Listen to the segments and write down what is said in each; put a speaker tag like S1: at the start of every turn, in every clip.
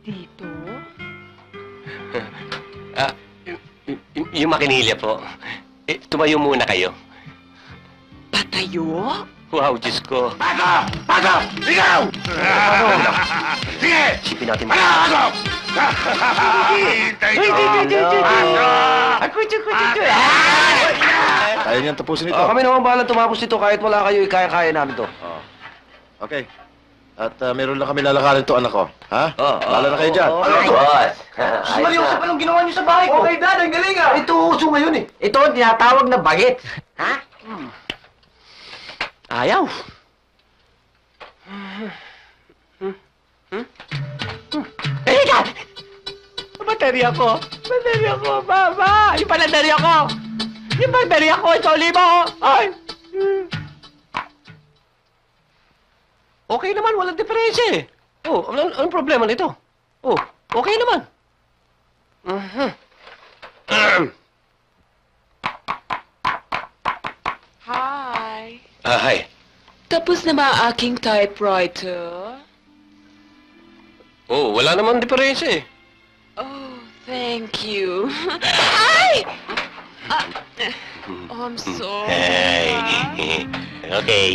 S1: Dito?
S2: Ah, yung makinilya po. Tumayo muna kayo.
S1: Patayo?
S2: Wow, Diyos ko.
S3: Pasok! Pasok! Ikaw! Sige!
S2: Isipin natin
S3: Pasok! Hintay ko!
S4: Kaya niyan tapusin ito.
S5: Kami naman bahala tumapos dito kahit wala kayo, kaya-kaya namin to.
S4: Okay. At meron lang kami lalakarin to, anak ko. Ha? Bahala na kayo dyan.
S2: Boss.
S5: Seryoso pa nung ginawa niyo sa bahay ko. Okay, Dad, ang galing ah. Ito uso ngayon eh.
S6: Ito ang tinatawag na bagit. Ha?
S2: Ayaw.
S6: Teka! Baterya ko! Baterya ko, Baba! Yung panaderya ko! Yung baterya ko, ito, lima! Ay!
S2: Okay naman, walang diferensya eh. Oh, anong problema nito? Oh, okay naman.
S1: Hi.
S2: Hi.
S1: Tapos na ba ang aking typewriter?
S2: Oh, wala naman diferensya eh.
S1: Oh, thank you. Ay! Oh, I'm sorry.
S2: Hey. Okay.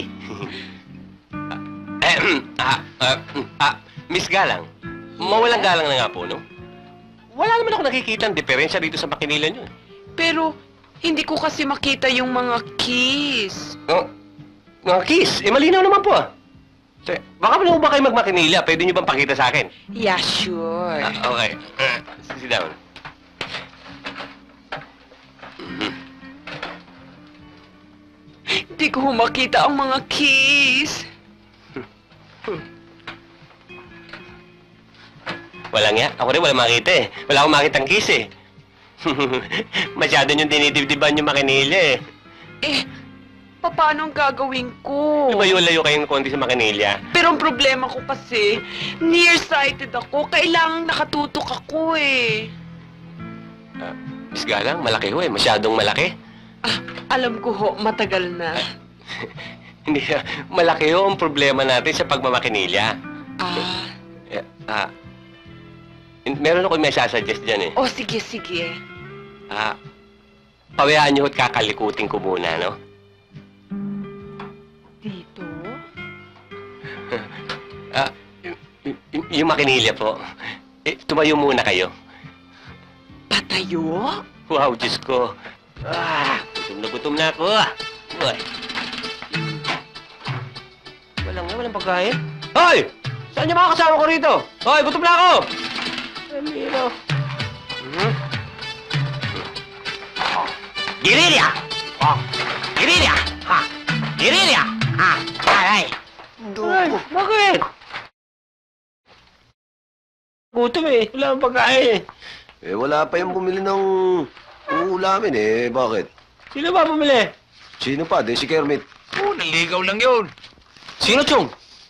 S2: Miss Galang, mawalang galang na nga po, no? Wala naman ako nakikita ang diferensya dito sa makinila nyo.
S1: Pero, hindi ko kasi makita yung mga keys.
S2: Oh, mga kiss, malinaw naman po ah. Baka pa ba kayo magmakinila? Pwede nyo bang pakita sa akin?
S1: Yeah, sure.
S2: Okay. Sit down.
S1: Hindi ko makita ang mga keys.
S2: Wala nga. Ako rin wala makita eh. Wala akong makitang kiss eh. Masyado nyung dinidibdiban yung makinilya eh.
S1: Eh, paano ang gagawin ko?
S2: Lumayo-layo kayong konti sa makinilya.
S1: Pero ang problema ko kasi, nearsighted ako. Kailangang nakatutok ako eh.
S2: Miss Galang, malaki ho eh. Masyadong malaki.
S1: Alam ko ho, matagal na.
S2: Hindi, malaki ho ang problema natin sa pagmamakinilya. Meron ako may sasuggest dyan eh.
S1: Oh, sige, sige.
S2: Pawayaan niyo ho't kakalikutin ko muna, no?
S1: Dito?
S2: Yung makinilya po. Tumayo muna kayo.
S1: Patayo?
S2: Wow, Diyos ko. Gutom na ako. Uy. Walang pagkain. Hoy! Saan niyo mga kasama ko rito? Hoy, gutom na ako! Amiro.
S6: Girilya! Oh! Girilya! Ha! Girilya! Ha! Ay!
S2: Ay, bakit? Gutom eh. Wala akong pagkain.
S5: Wala pa yung bumili ng uulamin eh. Bakit?
S2: Sino ba bumili?
S5: Sino pa? Di si Kermit.
S3: Naligaw lang yun.
S2: Sino, Chong?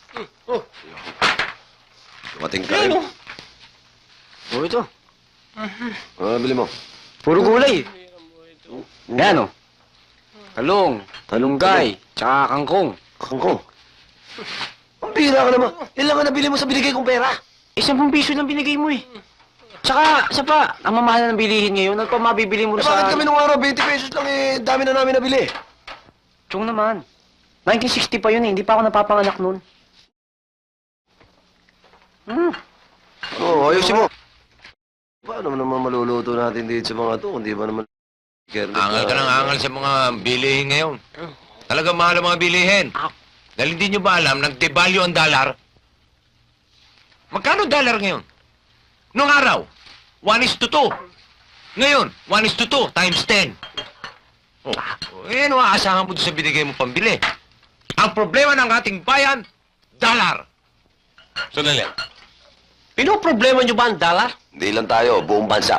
S5: Dumating ka rin.
S2: Ano?
S5: Oh, ito. Bili mo.
S6: Puro gulay. Yan o. Talong, talunggay, tsaka kangkong.
S5: Kangkong. Ang bira ka naman. Ilan ka nabili mo sa binigay kong pera?
S6: 10 piso lang binigay mo eh. Tsaka, isa pa, ang mamahal ng bilihin ngayon, ano pa mabibili mo
S5: Bakit
S6: sa...
S5: kami nung araw 20 pesos lang eh. Dami na namin nabili.
S6: Chong naman. 1960 pa yun eh, hindi pa ako napapanganak nun.
S5: Ayusin mo. Paano naman maluluto natin dito sa mga to? Hindi ba naman... Kermit
S3: Angal ka ng angal sa mga bilihin ngayon. Talaga mahal ang mga bilihin. Dahil hindi nyo ba alam, nag-devalue ang dollar? Magkano dollar ngayon? Noong araw, 1:2. Ngayon, 1:2 times 10. Ano aasahan mo doon sa binigay mo pambili? Ang problema ng ating bayan, dollar.
S2: Sandali. Pinoproblema niyo ba ang dollar?
S5: Hindi lang tayo, buong bansa.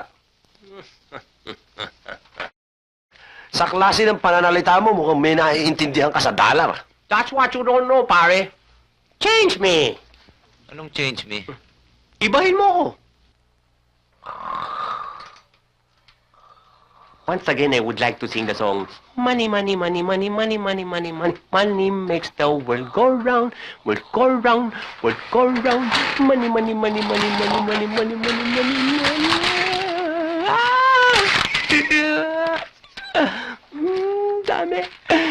S5: Sa klase ng pananalita mo, mukhang may naiintindihan ka sa dollar.
S2: That's what you don't know, pare. Change me.
S3: Anong change me?
S2: Ibahin mo ko. Once again, I would like to sing the song, Money, money, money, money, money, money, money, money. Money makes the world go round, world go round, world go round. Money, money, money, money, money, money, money, money, money, money. Dami.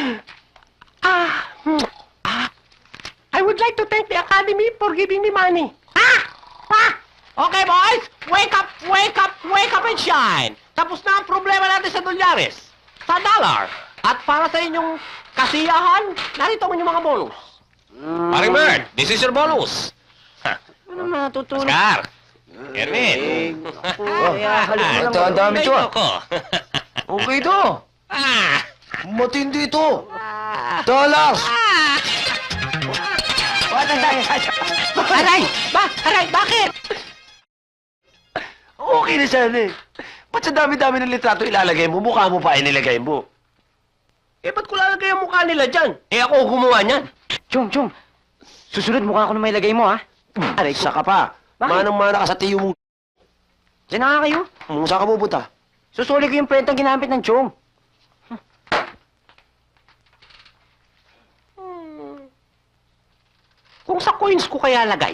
S2: I would like to thank the Academy for giving me money.
S6: Okay, boys! Wake up, wake up, wake up and shine! Tapos na ang problema natin sa dolyares, sa dollar. At para sa inyong kasiyahan, narito ang inyong mga bonus.
S3: Paring Bert, this is your bonus.
S6: Ano natutulog?
S2: Oscar! Erwin!
S5: Ang dami to, ah.
S2: Ayoko.
S5: Okay to.
S2: Ah!
S5: Matindi to. Dollars.
S6: Aray! Aray, bakit?
S5: Okay na sana eh. Ba't sa dami-dami ng litrato ilalagay mo, mukha mo pa inilagay mo?
S2: Eh, ba't ko lalagay ang mukha nila dyan? Eh, ako gumawa niyan.
S6: Chong, susunod mukha ko na may lagay mo, ha?
S5: Aray, saka pa.
S6: Bakit?
S5: Manang-mana ka sa tiyo mo.
S6: Diyan na nga kayo.
S5: Saan ka pupunta?
S6: Susuli ko yung prentang ginamit ng Chong. Kung sa coins ko kaya lagay.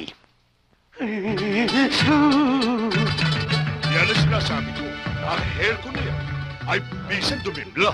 S7: Yan ang sinasabi ko. Ang hair ko na yan ay bisan dumimla.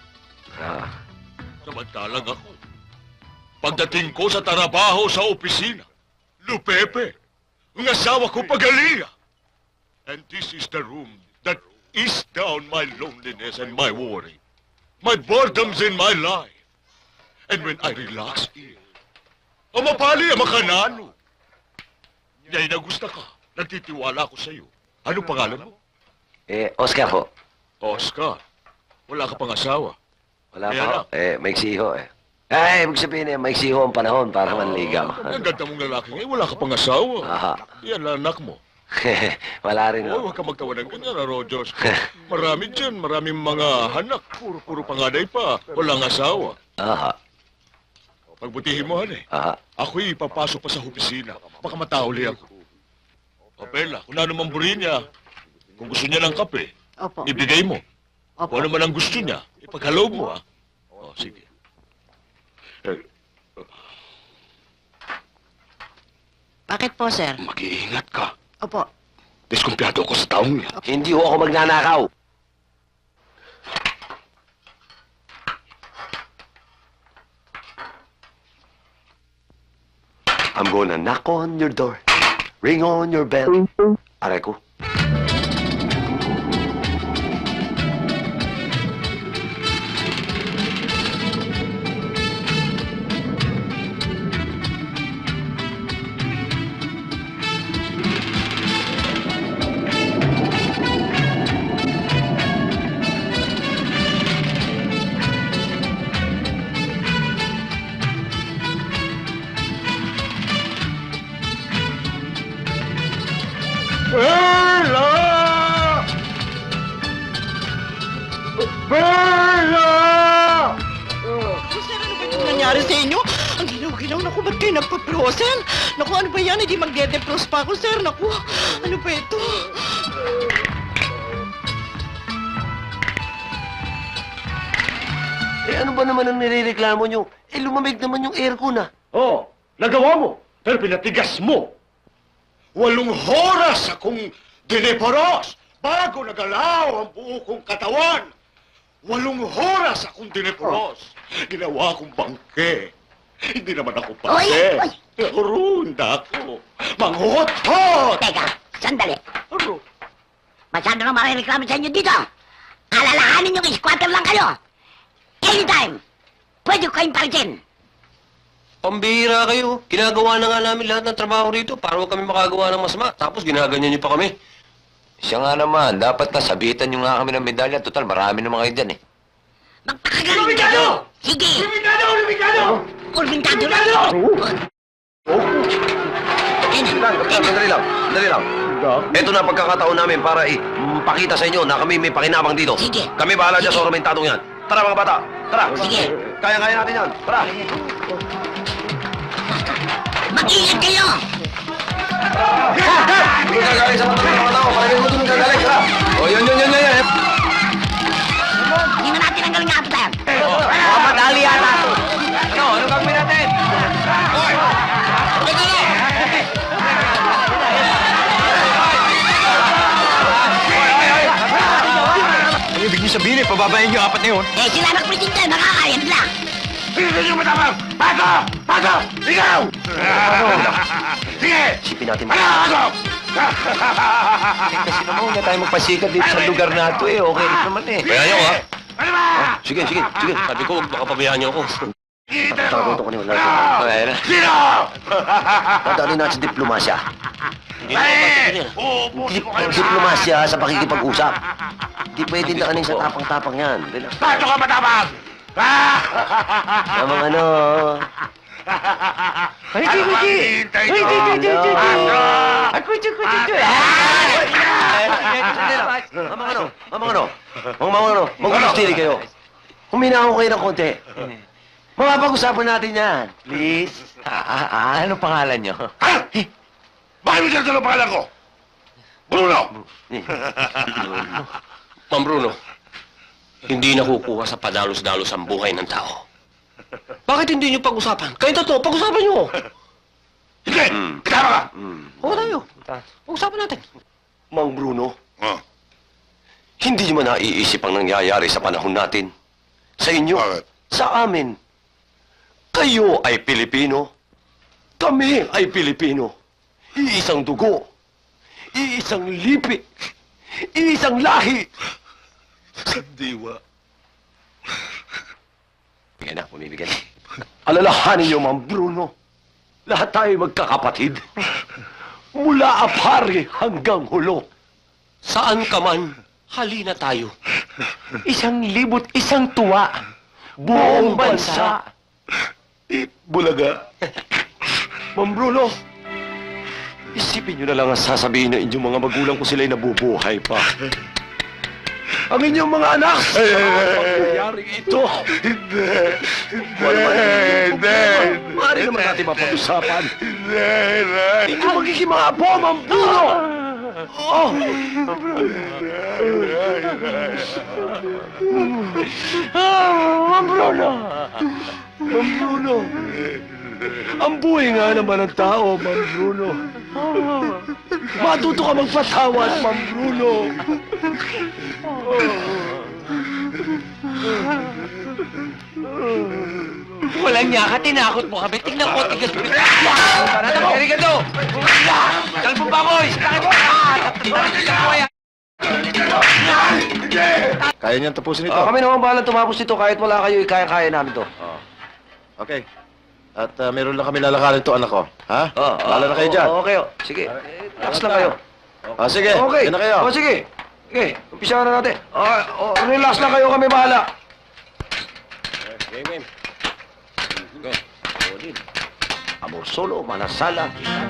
S7: Samantalang ako, pagdating ko sa trabaho sa opisina, Lupepe, ang asawa ko pagalinga. And this is the room that ease down my loneliness and my worry, my boredoms in my life. And when I relax here, mapali ang makanano. Yay na gusto ka. Nagtitiwala ako sa iyo. Anong pangalan mo?
S5: Oscar ho.
S7: Oscar. Wala ka pang asawa.
S5: Wala
S7: Kaya
S5: pa ho.
S7: lang.
S5: Maiksi ho eh. Ay, ibig sabihin maiksi ho ang panahon para manligaw.
S7: Ang ganda mong lalaki ngayon. Wala ka pang asawa.
S5: Aha.
S7: Yan lang anak mo.
S5: Wala rin
S7: Oh,
S5: ho.
S7: huwag ka magtawa ng ganyan, Rogers. Marami dyan. Maraming mga hanak. Puro panganay pa. Walang asawa.
S5: Aha.
S7: Pagbutihin mo, han eh.
S5: Aha.
S7: Ako'y ipapasok pa sa opisina. Baka matauli ako. O, Bella, kung ano man buri niya, kung gusto niya ng kape,
S6: Opo.
S7: ibigay mo.
S6: Opo.
S7: Kung ano man ang gusto niya, ipaghalog mo, ha? O, sige.
S8: Bakit po, sir?
S7: Mag-iingat ka.
S8: Opo.
S7: Diskumpiyado ako sa taong yan.
S5: Hindi ho ako magnanakaw. I'm gonna knock on your door, ring on your bell. Aray ko.
S8: Sir, ano ba itong nangyari sa inyo? Ang ginaw-ginaw. Naku, ba't kayo nagpa-frozen? Naku, ano ba yan? Hindi magde-defrost pa ako, sir. Naku, ano ba ito?
S5: Ano ba naman ang nirereklamo nyo? Lumamig naman yung aircon ah.
S7: Oh, nagawa mo, pero pinatigas mo. 8 oras akong diniporos bago nagalaw ang buo kong katawan. 8 oras akong diniporos. Ginawa akong bangke. Hindi naman ako bangke.
S9: Oy!
S7: Runda ako. Manghuhot-hot!
S9: Teka, sandali.
S7: Aro.
S9: Masyado nang marireklamo sa inyo dito. Alalahanin yung squatter lang kayo. Anytime, pwede ko kayong palitin.
S2: Pambihira kayo. Ginagawa na nga namin lahat ng trabaho rito para huwag kami makagawa ng masama. Tapos ginaganyan niyo pa kami.
S3: Siya nga naman, dapat na sabitan nyo nga kami ng medalya. Total, marami naman kayo dyan eh.
S9: Magpakagaling kayo! Sige! Urbintado lang!
S5: Sandali lang. Ito na pagkakataon namin para pakita sa inyo na kami may pakinabang dito.
S9: Sige.
S5: Kami bahala dyan sa ornamentadong yan. Tara mga bata, tara.
S9: Sige.
S5: Kaya-kaya natin yan. Tara.
S9: Mag-iingat kayo!
S5: Hindi gagaling sa mga tao. Palagay mo ito ng gagaling. Tara. O, yun.
S3: niyo sabihin eh, pababayin niyo apat na yun.
S9: Eh, sila nagpresinta, nakakaya nila.
S7: Hindi nyo matapang! Pato! Pato! Ikaw! Sige!
S5: Isipin natin.
S7: Pasok!
S3: Kasi naman, huwag na tayo magpasikat dito sa lugar na ito eh. Okay rin naman eh.
S5: Kaya nyo, ha?
S7: Ano ba?
S5: Sige.
S2: Sabi ko, baka pabayaan niyo ako.
S7: Kita
S5: Tatanong ko niyo natin.
S7: Sino? Sino?
S5: Dadali natin sa diplomasya.
S2: Hindi na ako yan.
S7: Uubusin ko kayo
S5: Diplomasya sa pakikipag-usap. Di pwede na kanin sa tapang-tapang yan. Relax.
S7: Pato ka matapang!
S5: Namang ano.
S7: Ay, di!
S5: Mamang ano. Mag-ustili kayo. Huminahon kayo ng konti. Mapapag-usapan natin yan. Please.
S3: Ano pangalan niyo?
S7: Bakit mo sinasabi ang pangalan ko? Bruno!
S2: Ma'am Bruno, hindi nakukuha sa padalos-dalos ang buhay ng tao. Bakit hindi niyo pag-usapan? Kayo totoo, pag-usapan niyo.
S7: Hindi! Kasama ka!
S2: Oo tayo. Pag-usapan natin.
S5: Mang Bruno,
S7: Oh,
S5: hindi niyo man naiisip ang nangyayari sa panahon natin. Sa inyo,
S7: Bakit?
S5: sa amin. Kayo ay Pilipino. Kami ay Pilipino. Iisang dugo. Iisang lipi. Iisang lahi.
S7: diwa.
S5: Bigyan na, pumibigyan na. Alalahanin niyo, Mang Bruno. Lahat tayo magkakapatid. Mula apari hanggang hulo.
S2: Saan ka man, halina tayo.
S5: 1,001 tuwa. Buong bansa.
S7: Bulaga.
S5: Mang Bruno, isipin niyo na lang ang sasabihin ng inyong mga magulang kung sila'y nabubuhay pa. Ang inyong mga anak, mangyayari ito.
S7: Hindi.
S5: Maaari naman natin mapag-usapan.
S7: Hindi.
S5: Ito magiging mga apo, Mang Bruno. Oh. Mang Bruno. Mang Bruno. Ang buhay nga naman ng tao, Mang Bruno. Matuto ka magpatawad, Mang Bruno.
S6: Walang niya ka, tinakot mo kami. Tingnan ko, tigas mo. Halika to! Kalbong baboy! Laki mo!
S4: Kaya niyan tapusin ito.
S5: Kami naman bahala tumapos dito kahit wala kayo, kaya-kaya namin to.
S4: Okay. At meron lang kami lalakarin to anak ko. Ha? Bahala na kayo dyan.
S5: Okay, sige. Relax lang kayo.
S4: Sige,
S5: Okay.
S4: yan na kayo.
S5: Sige. Okay, umpisa na natin. Relax lang kayo, kami bahala.
S2: Game. Go.
S5: Amor solo, manasala.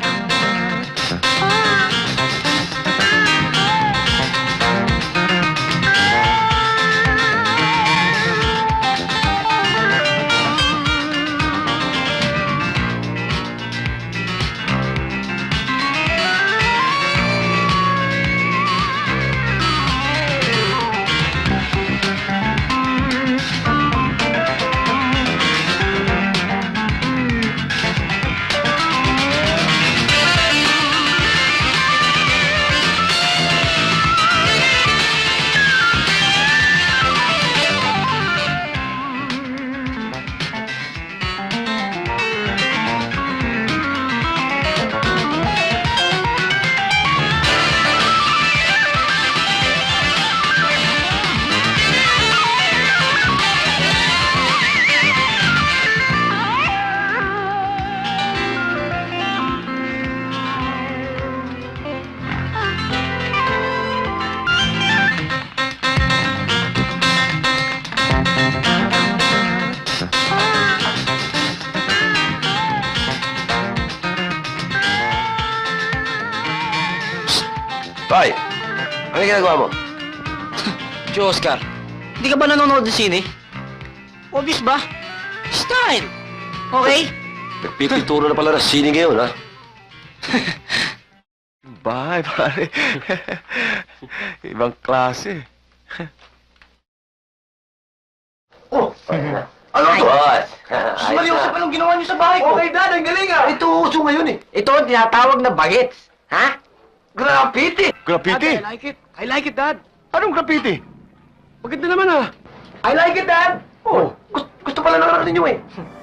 S5: Tay, ano yung ginagawa mo?
S6: Si Oscar, hindi ka ba nanonood ng sine? Obvious ba? Style! Okay?
S5: Nagpipituro na pala ng sine ngayon, ha?
S3: Bye, pare. Ibang klase.
S5: Ano to?
S6: Maliusap pa nung ginawa niyo sa bahay ko.
S5: Okay, Dad, ang galing, ah! Ito uso ngayon, eh.
S6: Ito ang tinatawag na bagets. Ha?
S5: Graffiti!
S3: Graffiti?
S6: I like it, Dad.
S3: Anong graffiti?
S2: Maganda naman ah. I like it, Dad. Oh, gusto pala ng anak ninyo eh.